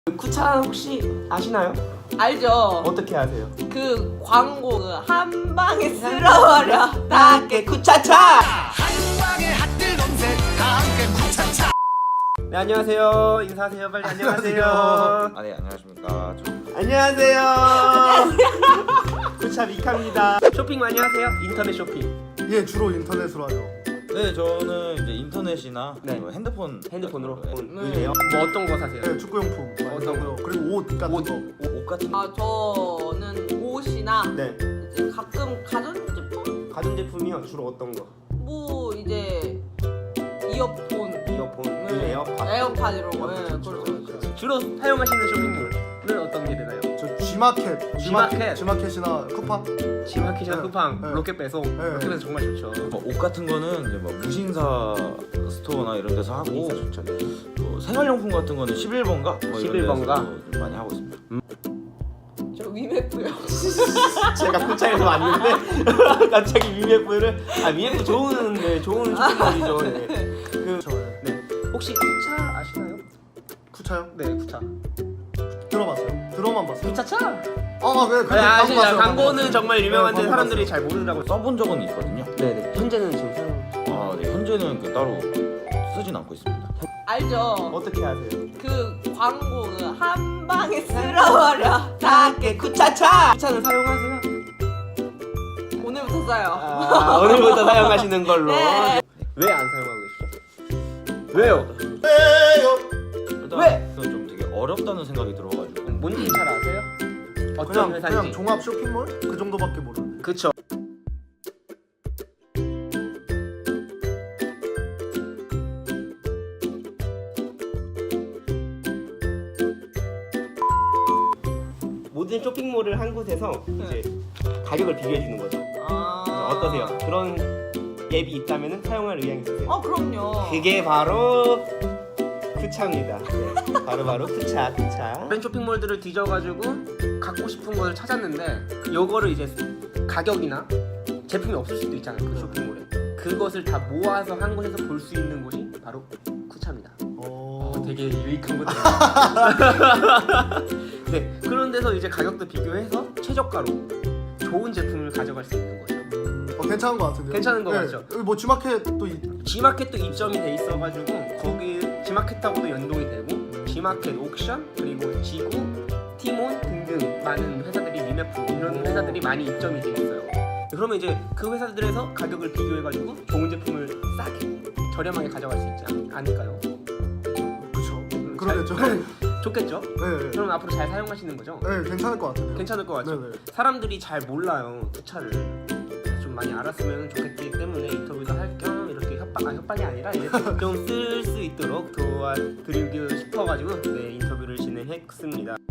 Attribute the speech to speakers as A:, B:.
A: 쿠차 혹시 아시나요?
B: 알죠.
A: 어떻게 아세요?
B: 그 광고 한 방에 쓸어버려 다 함께 쿠차차.
C: 한방에 핫들 검색 다 함께 쿠차차.
A: 네, 안녕하세요. 인사하세요. 빨리 안녕하세요.
D: 아, 네, 안녕하십니까.
A: 안녕하세요. 쿠차 미카입니다. 쇼핑 많이 하세요? 인터넷 쇼핑.
E: 예, 주로 인터넷으로 하죠.
D: 네, 저는 이제 인터넷이나
A: 네.
D: 뭐
A: 핸드폰으로
D: 같은 거,
A: 보세요? 뭐 어떤 거 사세요?
E: 네, 축구용품 많이
A: 어떤
E: 사고요. 그리고 옷 같은 거.
D: 옷 같은 거.
B: 아 저는 옷이나
A: 네.
B: 이제 가끔 가전제품
A: 가전제품이요. 주로 어떤 거?
B: 뭐 이제 이어폰,
A: 이어폰,
B: 에어팟 이런 거. 네, 그렇죠.
A: 주로 사용하시는 쇼핑몰은 어떤 게 되나요?
E: 저 G마켓,
A: G마켓.
E: G마켓이나 쿠팡.
A: G마켓이나
E: 네.
A: 쿠팡,
E: 네.
A: 로켓 배송.
E: 네.
A: 로켓 배송 정말 좋죠.
D: 뭐 옷 같은 거는 이제 뭐 무신사 스토어나 이런 데서 하고,
A: 인사 좋죠. 네.
D: 뭐 생활용품 같은 거는 11번가? 뭐 이런
A: 11번가?
D: 데서 좀 많이 하고 있습니다.
B: 저 위메프요.
A: 제가 쿠차에서 왔는데 갑자기 위메프를 위메프 좋은 쇼핑몰이죠. 네.
E: 그렇죠. 예.
A: 네. 혹시 쿠차 아시나요?
E: 쿠차요?
A: 네, 쿠차.
E: 들어봤어요. 들어만 봤어요.
A: 쿠차차?
E: 아, 네.
A: 네, 아시죠?
E: 봤어요.
A: 광고는 정말 유명한데
E: 네,
A: 사람들이 잘 모르더라고요.
D: 써본 적은 있거든요.
A: 네네. 현재는 지금 사용.
D: 아, 네, 현재는 따로 쓰진 않고 있습니다.
B: 알죠.
A: 어떻게 아세요?
B: 그 광고 한 방에 쓸어버려 다 함께 쿠차차.
A: 쿠차는 사용하세요?
B: 오늘부터 써요.
A: 오늘부터 사용하시는 걸로.
B: 네.
A: 왜 안 사용하고 계시죠? 왜요?
D: 일단
A: 왜?
D: 그건 좀 되게 어렵다는 생각이 들어가지고.
A: 뭔지 잘 아세요? 어떤
E: 그냥
A: 회사인지.
E: 종합 쇼핑몰 그 정도밖에 모르는데.
A: 그쵸. 모든 쇼핑몰을 한 곳에서 이제 가격을 비교해 주는 거죠. 어떠세요? 그런 앱이 있다면 사용할 의향이 있으세요?
B: 그럼요.
A: 그게 바로 쿠차입니다. 네, 바로 쿠차. 다른 쇼핑몰들을 뒤져가지고 갖고 싶은 것을 찾았는데 요거를 이제 가격이나 제품이 없을 수도 있잖아요. 그 쇼핑몰에 그것을 다 모아서 한 곳에서 볼 수 있는 곳이 바로 쿠차입니다. 되게 유익한 거죠. 네, 그런 데서 이제 가격도 비교해서 최저가로 좋은 제품을 가져갈 수 있는 거죠.
E: 괜찮은 것 같은데요.
A: 괜찮은 것
E: 네.
A: 같죠?
E: 여기 뭐 G마켓도
A: G마켓도 입점이 돼 있어가지고 거기 G마켓하고도 연동이 되고 G마켓 옥션 그리고 지구, 티몬 등등 많은 회사들이 위메프 이런 회사들이 많이 입점이 돼 있어요. 그러면 이제 그 회사들에서 가격을 비교해가지고 좋은 제품을 싸게 저렴하게 가져갈 수 있지 않을까요?
E: 그렇죠. 그러겠죠.
A: 좋겠죠?
E: 네.
A: 그럼 앞으로 잘 사용하시는 거죠?
E: 네, 괜찮을 것 같은데요.
A: 괜찮을 것 같죠?
E: 네네.
A: 사람들이 잘 몰라요 쿠차를. 좀 많이 알았으면 좋겠기 때문에 인터뷰도 할 겸 이렇게 협박이 아니라 이제 좀 쓸 수 있도록 도와드리고 싶어가지고 네 인터뷰를 진행했습니다.